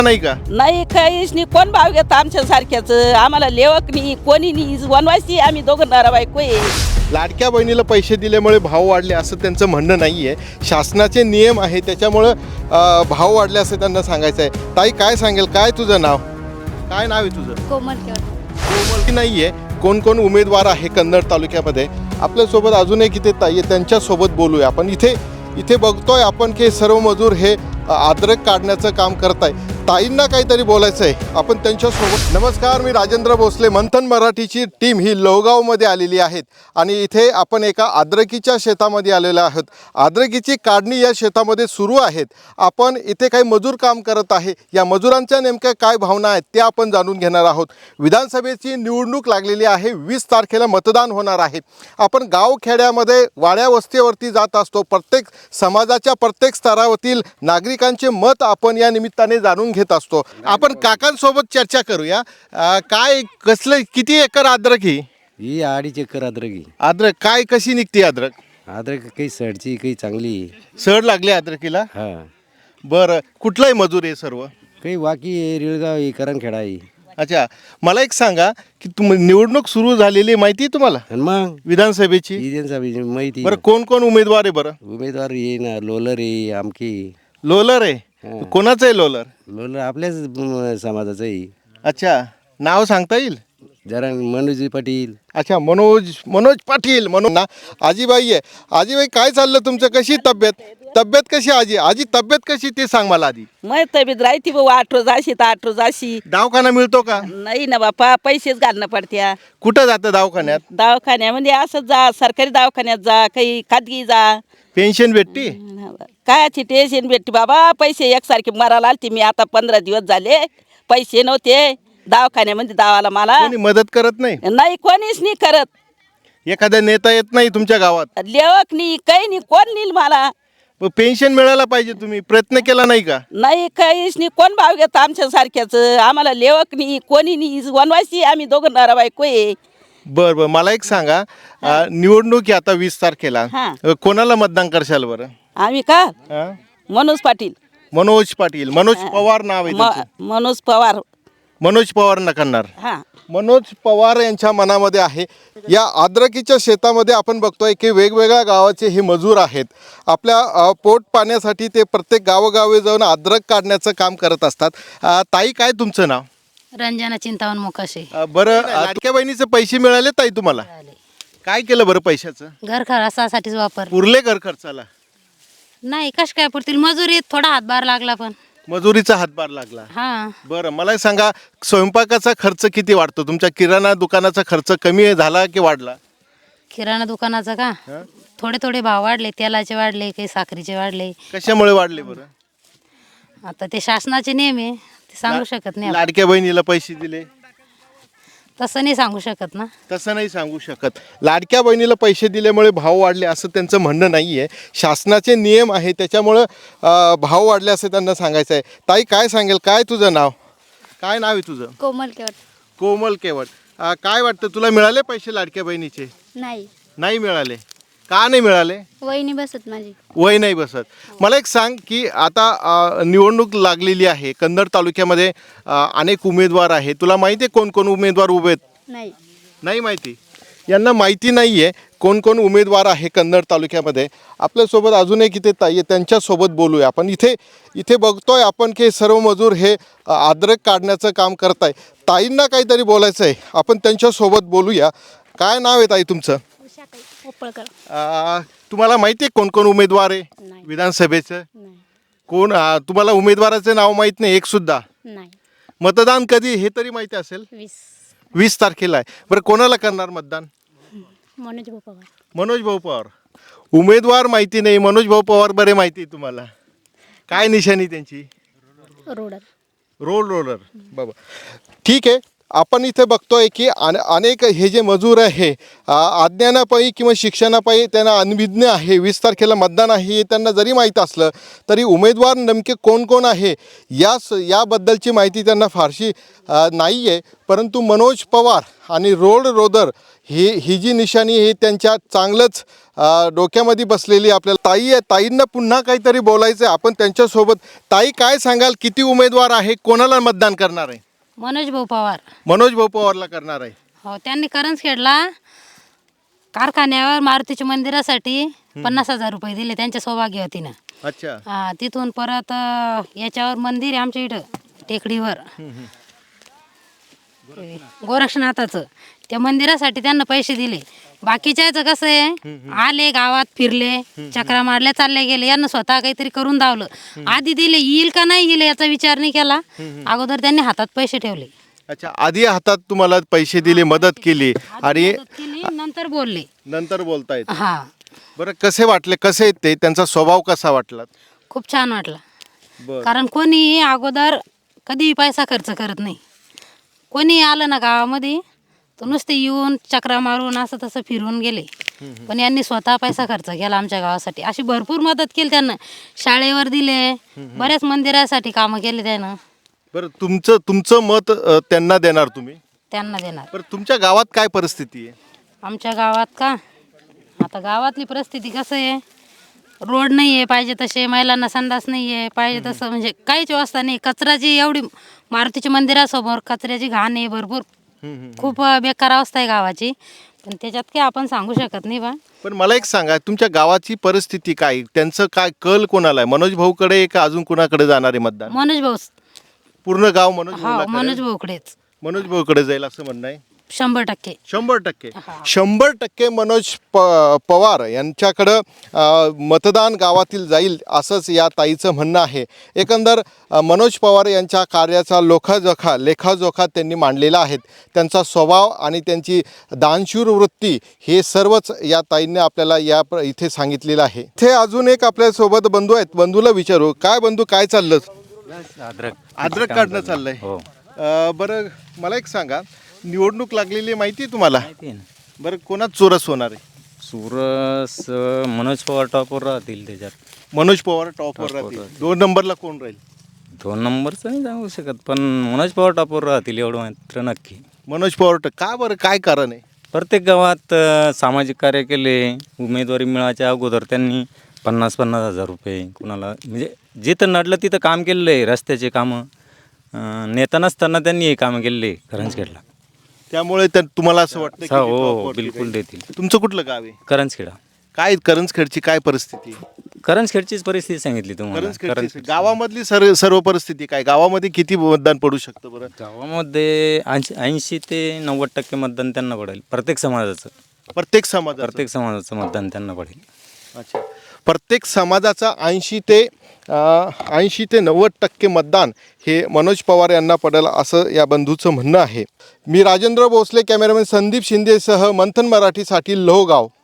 नाही का? नाही काहीच नाही. कोण भाव घेत आमच्या सारख्याच? आम्हाला लेवक नाही, कोणी नाही. वनवासी आम्ही दोघं नवरा बायको आहे. लाडक्या बहिणीला पैसे दिल्यामुळे भाव वाढले असं त्यांचं म्हणणं नाही आहे. शासनाचे नियम आहे त्याच्यामुळं भाव वाढले असं त्यांना सांगायचं आहे. ताई काय सांगेल, काय तुझं नाव, काय नाव आहे तुझं? कोमल कोमल नाही आहे. कोण कोण उमेदवार आहे कन्नड तालुक्यामध्ये आपल्यासोबत अजून एक इथे ताई आहे, त्यांच्यासोबत बोलूया आपण. इथे बघतोय आपण की सर्व मजूर हे अद्रक काढण्याचं काम करत आहे. ताईंना काहीतरी बोलायचं आहे, आपण त्यांच्यासोबत. नमस्कार, मी राजेंद्र भोसले. मंथन मराठीची टीम ही लोहगावमध्ये आलेली आहेत आणि इथे आपण एका अद्रकीच्या शेतामध्ये आलेलो आहोत. अद्रकीची काढणी या शेतामध्ये सुरू आहेत. आपण इथे काही मजूर काम करत आहे. या मजुरांच्या नेमक्या काय भावना आहेत त्या आपण जाणून घेणार आहोत. विधानसभेची निवडणूक लागलेली आहे. 20 तारखेला मतदान होणार आहे. आपण गावखेड्यामध्ये वाड्या वस्तीवरती जात असतो. प्रत्येक समाजाच्या प्रत्येक स्तरावरील नागरिकांचे मत आपण या निमित्ताने जाणून घेत असतो. आपण काकांसोबत चर्चा करूया. काय कसलं किती एकर अद्रक ही 2.5 एकर अद्रक अद्रक काय कशी निघते अद्रक? अद्रक काही सडची काही चांगली सड लागले अद्रकीला? हा बरं, कुठलाही मजूर आहे सर्व? काही वाकी आहे, रिळगाव आहे, करणखेडा आहे. अच्छा, मला एक सांगा की निवडणूक सुरू झालेली माहिती आहे तुम्हाला आणि मग विधानसभेची? विधानसभेची माहिती बरं, कोण कोण उमेदवार आहे? बरं, उमेदवार ये ना, लोलर आहे, आमकी लोलर आहे. कोणाचं आहे लोलर? लोलर आपल्याच समाजाचं आहे. अच्छा, नाव सांगता येईल? जरा मनोज पाटील. अच्छा, मनोज पाटील म्हणून ना. आजीबाई आहे. आजीबाई काय चाललं तुमचं? कशी तब्येत कशी? आजी तब्येत कशी ते सांग मला आधी. मग तब्येत राहते भाऊ. 8 रोज अशी तर 8 रोज अशी. दवाखाना मिळतो का? नाही ना बापा, पैसेच घालणं पडत्या. कुठं जातं दवाखान्यात? दवाखान्यामध्ये असंच जा, सरकारी दवाखान्यात जा, काही खाजगी जा. पेन्शन भेटते? कायची टेन्शन भेटते बाबा. पैसे एकसारखे मरायला आलते मी. आता 15 दिवस झाले पैसे नव्हते दवाखान्यामध्ये दावाला मला. कोणी मदत करत नाही? नाही, कोणीच नाही करत. एखादा नेता येत नाही तुमच्या गावात? लेवक नाही, काही नाही. कोण नेईल मला? पेन्शन मिळायला पाहिजे, तुम्ही प्रयत्न केला नाही का? नाही काहीच नाही. कोण भाव घेत आमच्या सारख्याच? आम्हाला लेवक नाही, कोणी नाही. वनवासी आम्ही दोघं नवरा बायको आहे. बरं, मला एक सांगा, निवडणूक आहे आता 20 तारखेला. हा. कोणाला मतदान करशाल बरं? आम्ही का? हा? मनोज पाटील. मनोज पवार नाव आहे त्यांचं. मनोज पवार. मनोज पवार न करणार. हा. मनोज पवार यांच्या मनामध्ये आहे. या अद्रकीच्या शेतामध्ये आपण बघतोय की वेगवेगळ्या गावाचे हे मजूर आहेत. आपल्या पोट पाण्यासाठी ते प्रत्येक गावोगावी जाऊन अद्रक काढण्याचं काम करत असतात. ताई काय तुमचं नाव? रंजना चिंतावन मोकाशे. बरं, लाडक्या बहिणीचे पैसे मिळाले ताई तुम्हाला? काय केलं बरं पैशाचं? घर खर्चासाठीच वापर. पुरले घर खर्चाला? नाही, कश काय पुरतील. मजुरीत थोडा हातभार लागला पण. मजुरीचा हातभार लागला. हा. बरं, मला सांगा, स्वयंपाकाचा खर्च किती वाढतो? तुमच्या किराणा दुकानाचा खर्च कमी झाला की वाढला? किराणा दुकानाचा का थोडे थोडे भाव वाढले. तेलाचे वाढले, काही साखरीचे वाढले. कशामुळे वाढले बरं? आता ते शासनाचे नियम आहे, ते सांगू शकत नाही आपण. लाडक्या बहिणीला पैसे दिले तसं नाही सांगू शकत ना. तसं नाही सांगू शकत. लाडक्या बहिणीला पैसे दिल्यामुळे भाव वाढले असं त्यांचं म्हणणं नाही आहे. शासनाचे नियम आहे त्याच्यामुळं भाव वाढले असं त्यांना सांगायचं आहे. ताई काय सांगेल, काय तुझं नाव, काय नाव आहे तुझं? कोमल कोमल केवट. काय वाटतं, तुला मिळाले पैसे लाडक्या बहिणीचे? नाही, नाही मिळाले. का नाही मिळाले? वहिनी बसत माझी. वय नाही बसत. मला एक सांग की आता निवडणूक लागलेली आहे. कन्नड तालुक्यामध्ये अनेक उमेदवार आहे. तुला माहिती आहे कोण कोण उमेदवार उभे आहेत? नाही. नाही माहिती. यांना माहिती नाही आहे कोण कोण उमेदवार आहे कन्नड तालुक्यामध्ये. आपल्यासोबत अजून एक इथे ताई आहे, त्यांच्यासोबत बोलूया आपण. इथे बघतोय आपण की सर्व मजूर हे अद्रक काढण्याचं काम करत आहे. ताईंना काहीतरी बोलायचं आहे, आपण त्यांच्यासोबत बोलूया. काय नाव आहे ताई तुमचं? तुम्हाला माहिती आहे कोण कोण उमेदवार आहे विधानसभेचं? कोण तुम्हाला उमेदवाराचं नाव माहीत नाही एक सुद्धा? नाही. मतदान कधी हे तरी माहिती असेल? 20 तारखेला आहे. बरं, कोणाला करणार मतदान? मनोज भाऊ पवार. उमेदवार माहिती नाही, मनोज भाऊ पवार बरे माहिती आहे तुम्हाला. काय निशाणी त्यांची? रोलर बाबा. ठीक आहे, आपण इथे बघतोय की अनेक हे जे मजूर आहे अज्ञानापायी किंवा शिक्षणापायी त्यांना अनभिज्ञ आहे. 20 तारखेला मतदान आहे हे त्यांना जरी माहीत असलं तरी उमेदवार नेमके कोण कोण आहे याबद्दलची माहिती त्यांना फारशी नाही आहे. परंतु मनोज पवार आणि रोड रोदर ही जी निशाणी ही त्यांच्या चांगलंच डोक्यामध्ये बसलेली आपल्याला ताई आहे. ताईंना पुन्हा काहीतरी बोलायचं आहे आपण त्यांच्यासोबत. ताई, काय सांगाल, किती उमेदवार आहे, कोणाला मतदान करणार आहे? मनोज भाऊ पवार. मनोज भाऊ पवारला करणार आहे. हो, त्यांनी करंजखेडला कारखान्यावर मारुतीच्या मंदिरासाठी 50,000 रुपये दिले त्यांच्या सौभाग्यवतीनं. अच्छा. तिथून परत याच्यावर मंदिर आहे आमच्या इथं टेकडीवर गोरक्षनाथाचं, त्या मंदिरासाठी त्यांना पैसे दिले. बाकीच्याचं कसं आहे, आले गावात फिरले, चक्रा मारल्या, चालले गेले. यांना स्वतः काहीतरी करून दावलं. आधी दिले, येईल का नाही येईल याचा विचार नाही केला. अगोदर त्यांनी हातात पैसे ठेवले. अच्छा, आधी हातात तुम्हाला पैसे दिले, मदत केली आणि मदत केली, नंतर बोलले. नंतर बोलतायत. हा, बरं, कसे वाटले, कसे आहेत ते, त्यांचा स्वभाव कसा वाटला? खूप छान वाटलं. बरं. कारण कोणी अगोदर कधीही पैसा खर्च करत नाही. कोणी आलं ना गावामध्ये तर नुसते येऊन चक्रा मारून असं तसं फिरून गेले. पण यांनी स्वतः पैसा खर्च केला आमच्या गावासाठी. अशी भरपूर मदत केली त्यांना. शाळेवर दिले, बऱ्याच मंदिरासाठी कामं केली त्यानं. बरं, तुमचं मत त्यांना देणार तुम्ही? त्यांना देणार. बरं, तुमच्या गावात काय परिस्थिती आहे? आमच्या गावात का, आता गावातली परिस्थिती कसं आहे, रोड नाही आहे पाहिजे तसे, महिलांना संडास नाही आहे पाहिजे तसं, म्हणजे काहीच व्यवस्था नाही. कचऱ्याची एवढी, मारुतीच्या मंदिरासमोर कचऱ्याची घाण आहे भरपूर. खूप बेकार अवस्था आहे गावाची. पण त्याच्यात काय आपण सांगू शकत नाही बा. पण मला एक सांगा, तुमच्या गावाची परिस्थिती काय, त्यांचं काय कल कोणाला आहे? मनोज भाऊकडे का अजून कोणाकडे जाणार आहे मतदान? मनोज भाऊ. पूर्ण गाव मनोज हो, भाऊला मनोज करेल? भाऊकडेच मनोज भाऊकडे जाईल असं म्हणणं आहे? 100%. 100%. 100% मनोज पवार यांच्याकडं मतदान गावातील जाईल असंच या ताईचं म्हणणं आहे. एकंदर मनोज पवार यांच्या कार्याचा लेखाजोखा त्यांनी मांडलेला आहे. त्यांचा स्वभाव आणि त्यांची दानशूर वृत्ती हे सर्वच या ताईंनी आपल्याला इथे सांगितलेलं आहे. इथे अजून एक आपल्यासोबत बंधू आहेत. बंधूला विचारू, काय बंधू, काय चाललं? अद्रक काढणं चाललंय. बरं, मला एक सांगा, निवडणूक लागलेली माहिती आहे तुम्हाला? बरं, कोणाच चोरस होणार आहे? चोरस मनोज पवार टॉपवर राहतील त्याच्यात. मनोज पवार टॉपवर राहतील. 2 नंबरला कोण राहील? 2 नंबरचं नाही सांगू शकत, पण मनोज पवार टॉपवर राहतील एवढं मात्र नक्की. मनोज पवार का बरं, काय कारण आहे? प्रत्येक गावात सामाजिक कार्य केले. उमेदवारी मिळायच्या अगोदर त्यांनी 50,000 रुपये कुणाला, म्हणजे जिथं नडलं तिथं काम केलेलं आहे. रस्त्याचे कामं नेता नसताना त्यांनी हे कामं केलेले करंजखेडला. त्यामुळे तुम्हाला असं वाटतं की हो, टॉपवरती बिलकुल राहील? देतील. तुमचं कुठलं गाव आहे? करंजखेडा. काय करंजखेडची काय परिस्थिती आहे? करंजखेडचीच परिस्थिती सांगितली तुम्हाला. करंजखेडची गावामधली सर्व परिस्थिती काय? गावामध्ये किती मतदान पडू शकतं बरं? गावामध्ये 80 ते 90% मतदान त्यांना पडेल. प्रत्येक समाजाचं प्रत्येक समाजाचं? प्रत्येक समाजाचं मतदान त्यांना पडेल. अच्छा, प्रत्येक समाजाचा 80 ते 90% मतदान हे मनोज पवार यांना पडेल असं या बंधूचं म्हणणं आहे. मी राजेंद्र भोसले, कॅमेरामॅन संदीप शिंदेसह मंथन मराठीसाठी लोहगाव.